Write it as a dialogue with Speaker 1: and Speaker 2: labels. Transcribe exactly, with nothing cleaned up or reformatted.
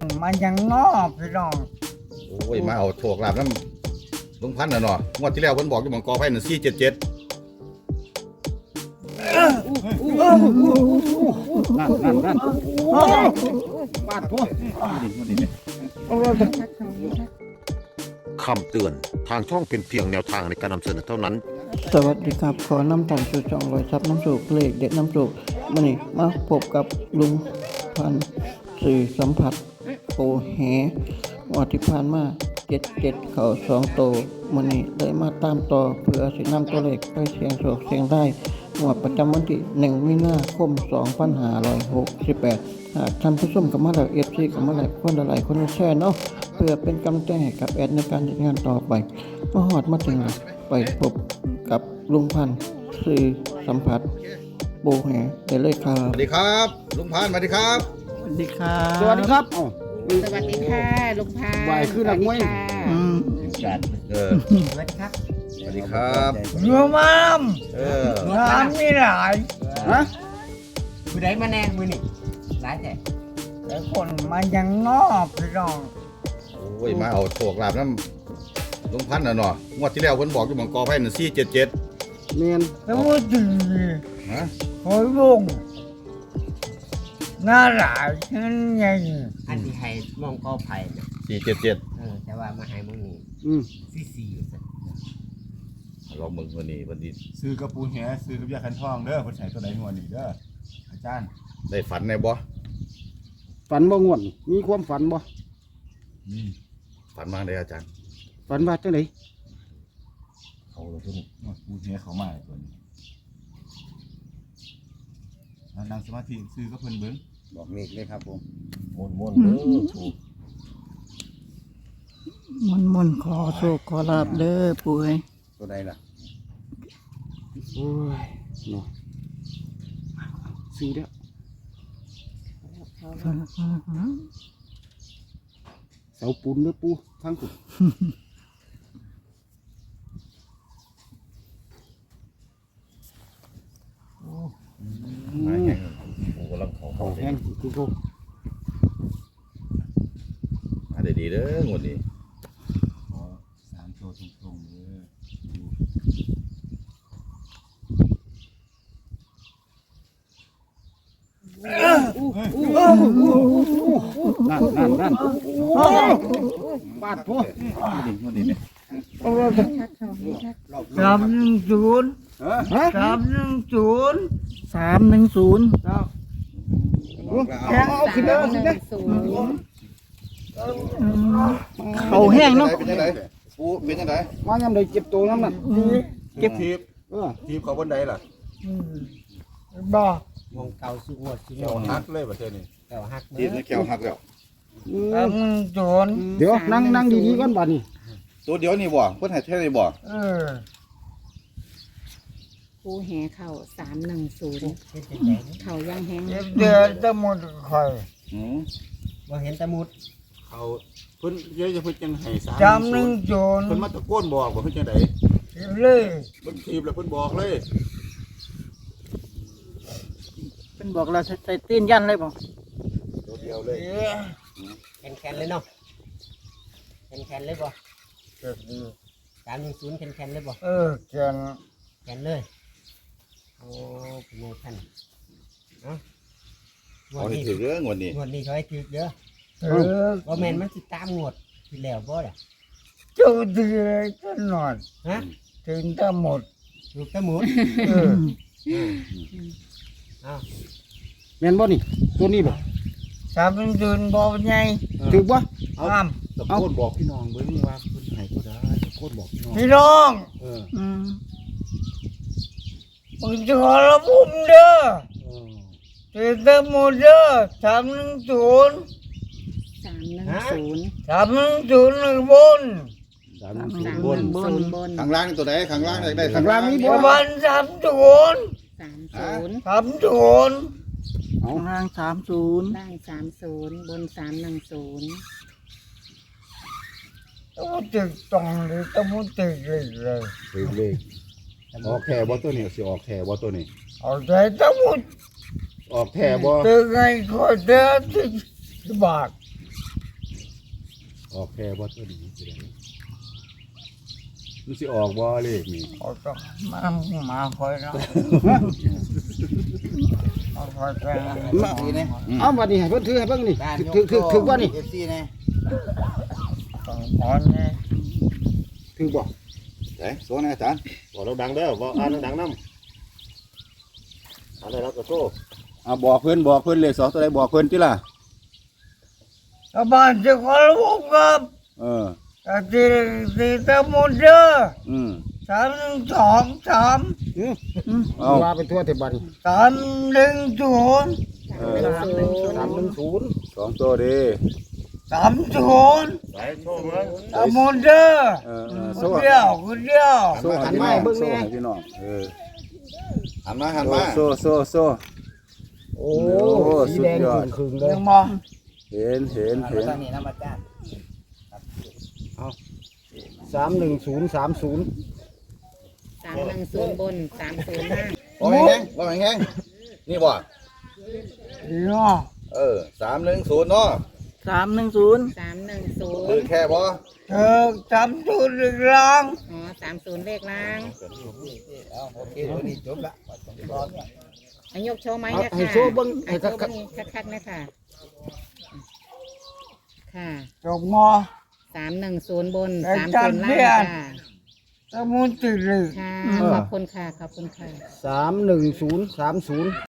Speaker 1: มันยังนอกพี่น้อง
Speaker 2: โอ้ยมาเอาโชคลาภน้ำลุงพันธุ์น่ะเนาะงวดที่แล้วเพิ่นบอกอยู่หม่องกอไผ่น่ะสี่เจ็ดเจ็ด
Speaker 3: นั่นนั่นนั่นบาดพวก
Speaker 4: คำเตือนทางช่องเป็นเพียงแนวทางในการนำเสนอเท่านั้น
Speaker 5: สวัสดีครับขอนำทางสู่ช่องรอยซับน้ำสูบเพลงเด็ดน้ำสูบมันนี่มาพบกับลุงพันธุ์สื่อสัมผัสโอแหวัที่ผ่านมาเจ็ดเจ็ดเข่าสองโตมันนี่เลยมาตามต่อเพื่อสินำตัวเลขไปเสียงโศกเสียงได้งวดประจำวันที่หนึ่งมีนาคมสองพันห้าร้อยหกสิบแปดหากท่านผู้ชมกับมาแล้วเอฟซีกับมาแล้วคนละหลายคนละแช่เนาะเพื่อเป็นกำลังใจให้กับแอดในการจัดงานต่อไปมาหอดมาถึงไปพบกับลุงพันธุ์สื่อสัมผัสโบแหได้เลยครั
Speaker 2: ส
Speaker 5: บ
Speaker 2: วัสดีครับลุงพันธุ์สวัสดีครับ
Speaker 5: สวัสดีครับ
Speaker 3: สวัสดีครับอ๋อ
Speaker 6: สวัสดีค่ะลุงพา
Speaker 3: ไหวขึ้นหลังมวย
Speaker 5: อืม
Speaker 2: เออ
Speaker 6: สวัสดีครับ
Speaker 2: สวัสดีครับ
Speaker 1: เรือมาม
Speaker 2: เออ
Speaker 1: น้ำมีหลาย
Speaker 3: ฮะ
Speaker 6: มือไหนมาแนงมือนี่ร้ายแต่
Speaker 1: แต่คนมันยังนอกพี่น้อง
Speaker 2: โอ้ยมาเอาโชคลาภน้ำลุงพันธุ์น่ะเนาะงวดที่แล้วเพิ่นบอกอยู่หม่องกอไผ่น่ะสี่เจ็ดเจ็ด
Speaker 3: เมียน
Speaker 1: แล้วก็ดี
Speaker 2: ฮะ
Speaker 1: หอยลงหน้าหลายนั่นไง
Speaker 6: อันที่ให้มองกอไผ่นะ
Speaker 2: สี่เจ็ดเจ็ด
Speaker 6: เออแต่ว่ามาให้มองนี่
Speaker 3: อืม
Speaker 6: สี่สี่
Speaker 2: ลองมึงวันนี้วันนี้
Speaker 7: ซื้อกระปูแหซื้อกับยาคันทองเด้อเพิ่นใช้ตัวใดงวดนี่เด้ออาจารย์
Speaker 2: ได้ฝันในบ่
Speaker 3: ฝันบ่ง่วนมีความฝันบ่
Speaker 7: นี่
Speaker 2: ฝันมาได้อาจารย์
Speaker 3: ฝันว่าจังได๋
Speaker 2: เขาเลยเพิ่น
Speaker 7: งวดปูแหเขามาตัวนี้แล้วนั่งสมาธิซื้อกับเพิ่นเบิ่ง
Speaker 3: บอกเลขเลยครับผม
Speaker 2: ม่วนม่วนๆเด้อถูก
Speaker 5: มันมันๆขอโชคขอลาบเด้อป่วย
Speaker 3: ตัวใดล่ะโอ้ยเนาะซื้อแล้วเสาปูนเด้อปูทางปู
Speaker 2: มาแข่งโอ้กำลังเขา
Speaker 3: เขา
Speaker 2: เขา
Speaker 3: แห้งคือเขา
Speaker 2: มาได้ดีเด้องวดนี้
Speaker 7: ขอสามตัวตรงๆเด้อดู
Speaker 3: นั่นนั่นนั่นบาดพวก
Speaker 2: งวดนี้เนี่ย
Speaker 1: สามหนึ่งศูนย์
Speaker 3: ฮะ
Speaker 1: สามหนึ่งศูนย์
Speaker 5: สามหนึ่งศูนย์
Speaker 3: แข็งเอาขึ้นแล้วสินะ
Speaker 5: เขาแห้งเนาะ
Speaker 2: เป็นยังไงปูเป็นยังไง
Speaker 3: มายามใดเจ็บตัวน้ำนั่น
Speaker 7: เก็บทีบ
Speaker 3: เออ
Speaker 7: ทีบเขาบนใดล่ะ
Speaker 1: บอก
Speaker 6: มองเก่าสุงวดสุง
Speaker 7: เกี่ยว
Speaker 6: วด
Speaker 7: หักเลยประเทศนี้
Speaker 6: เก่าหัก
Speaker 2: ทีมนี่แก้วหักแล้ว
Speaker 3: อื
Speaker 1: สาม
Speaker 3: ม
Speaker 1: หนึ่งศูนย์
Speaker 3: เดี๋ยวนั่งนั่งดีๆก่อนบัดนี้
Speaker 2: ตัวเดียวนี่บ่เพิ่นให้แท้นี่บ่
Speaker 1: เออ
Speaker 8: ปูแหเข่าสามหนึ่งศูนย์เข่าย่างแห้ง
Speaker 1: เจ็บเดือดจะหมดคอย
Speaker 2: อืม
Speaker 6: ว่าเห็นตะมุด
Speaker 7: เขาเพิ่นเยอะจะเพิ่นจังให้สาม
Speaker 1: สามหนึ่งศูนย์
Speaker 7: เพิ่นมาตะโกนบอกว่าเพิ่นจังได๋
Speaker 1: เลย
Speaker 7: เพิ่นทีบแล้วเพิ่นบอกเลย
Speaker 5: เป็นบอกเราใส่ตีนยันเลยบ่
Speaker 7: ตัวเดียวเลย
Speaker 1: เอ๊ะ
Speaker 6: แคนแคนเลยเนาะแคนแคนเลยบ่
Speaker 1: เจ็บดี
Speaker 6: สามหนึ่งศูนย์แคนแคนเลยบ่
Speaker 1: เออเขียน
Speaker 6: แคนเลยโอ้เป็นไงท่านเนาะงว
Speaker 2: เอา
Speaker 6: ด
Speaker 2: ให้
Speaker 6: นี้
Speaker 2: ถือเรื่องงวดนี้
Speaker 6: งวดนี้เขาให้ถือเด้อ
Speaker 1: เออ
Speaker 6: ว่าแมนมันสิตามงวดที่แล้วบ่ล่ะ
Speaker 1: เจ้าดีกันหน่อย
Speaker 6: ฮะ
Speaker 1: ถึงจะหมด
Speaker 6: ลูกตะมุด
Speaker 1: เออ
Speaker 6: อ้าว
Speaker 3: แม่นบ่นี่ตัวนี้บ่
Speaker 1: สามหนึ่งศูนย์บอกไง
Speaker 3: ถือบ่
Speaker 1: ห้าม
Speaker 7: ตะโกนบอกพี่น้องเบิ่งว่าเพิ่นให้ตัวใดตะโกนบอกพี่น้อง
Speaker 1: พี่น้อง
Speaker 7: เออ
Speaker 5: อืม
Speaker 1: มึงจะขอระบุมเด้อ
Speaker 7: เออ
Speaker 1: ถึงจะหมดเด้อสามหนึ่งศูนย์
Speaker 8: สามหนึ่งศูนย์
Speaker 1: สามหนึ่งศูนย์หนึ่งบน
Speaker 7: สามหนึ่งศู
Speaker 8: สาน ม
Speaker 7: ย์
Speaker 8: ห
Speaker 7: บน
Speaker 8: นึ่งศูนย์บน
Speaker 2: ข้างล่างนี่ตัวใดข้างล่างได้ได้
Speaker 3: ข้างล่างนี่
Speaker 1: ป
Speaker 3: บ่
Speaker 1: ระมาณสามศูนย์
Speaker 8: สามศูนย์
Speaker 1: สามศูนย์
Speaker 3: เอา
Speaker 5: ข้างล่างสามศูนย์
Speaker 8: ล่างสามศูนย์บนสามหนึ่งศูนย์
Speaker 1: ต้องติดตรงเลยต้องติดเลยเลย
Speaker 7: ถือเลขออกแท้บ่ตัวนี้สิออกแท้บ่ตัวนี้
Speaker 1: เอาใจต้องมุด
Speaker 7: ออกแท้บ่
Speaker 1: ตึงไงขอเด้อที่บาท
Speaker 3: ออกแค่บ่ตัวดีสิได้มันสิออกบ่เลขนี่
Speaker 1: เขาต้องมามาคอยนะมาคอยแปลง
Speaker 3: มาเอาบัดนี้ให้เพิ่นถือให้เบิ่งนี่ถือถือถือบ่นี่
Speaker 1: ต้องพอนนี่
Speaker 3: ถือบ่
Speaker 2: ไหนโซนอาจารย์
Speaker 4: บอกเราดังเด้อบอกอ่านดังๆนำอ่านได้แล้วก็โซ่
Speaker 3: เอาบอกเพิ่นบอกเพิ่นเลขสองตัวใดบอกเพิ่นติล่ะ
Speaker 1: ชาวบ้านจะขอรู้ครับ
Speaker 3: เออ
Speaker 1: แต่ที่ที่ตะมุนเดอ
Speaker 3: อืม
Speaker 1: สามหนึ่งสองสาม
Speaker 3: เอา
Speaker 6: ว่าเป็นทั่วแต่บัด
Speaker 1: สามหนึ่งศูนย์
Speaker 3: เออ
Speaker 6: สามหนึ่งศูนย์
Speaker 3: สองตัวเด้
Speaker 1: สามศูนย์
Speaker 4: ไหนโซ่เบิ่ง
Speaker 1: ตะมุนเดอ
Speaker 3: เออเออ
Speaker 1: ค
Speaker 3: โซ่
Speaker 1: นเดียวคนเดียว
Speaker 3: โซ่ให้พี่น้องโซ่ให้พี่น้องเออ
Speaker 2: หันมาหันมา
Speaker 3: โซ่โซ่โซ่
Speaker 6: โอ้
Speaker 3: โอ้
Speaker 6: สี
Speaker 3: สุด
Speaker 6: แดง
Speaker 3: ยอด
Speaker 6: ขึงๆเลย
Speaker 1: ยังมอง
Speaker 3: เห็นเห็นเห็น
Speaker 6: สามหนึ่งศูนย์สามศูนย์
Speaker 8: สามหนึ่งศูนย์บนสามศูนย์ล่าง
Speaker 2: บ่แห้งๆบ่แห้งๆนี่บ่
Speaker 1: ดีเนาะ
Speaker 2: เออสามหนึ่งศูนย์เนาะ
Speaker 5: สามหนึ่งศูนย์
Speaker 8: สามหนึ่งศูน
Speaker 2: คือ
Speaker 8: ย์
Speaker 2: แค่บ่
Speaker 1: เธอจำตัวอีกครั้ง
Speaker 8: อ๋อสามศูนย์เลขล่างอายกโชว์ไหมนะ
Speaker 6: ให้
Speaker 8: คะ
Speaker 6: โชว์เบิ่งให้
Speaker 8: ให้โช
Speaker 6: คัก
Speaker 8: ว์เบิ่งคักๆนะค่ะค่ะ
Speaker 1: จบมอ
Speaker 8: สามหนึ่งศูนย์บน
Speaker 1: ไอ้
Speaker 8: สาม
Speaker 1: จั
Speaker 8: ศู
Speaker 1: น
Speaker 8: นย์
Speaker 1: เพี
Speaker 8: ล่าย
Speaker 1: ร
Speaker 8: งค่ะ
Speaker 1: ตะมุนติดเลย
Speaker 8: ค่ะขอบคุณค่ะขอบคุณค่ะ
Speaker 6: สามหนึ่งศูนย์สามศูนย์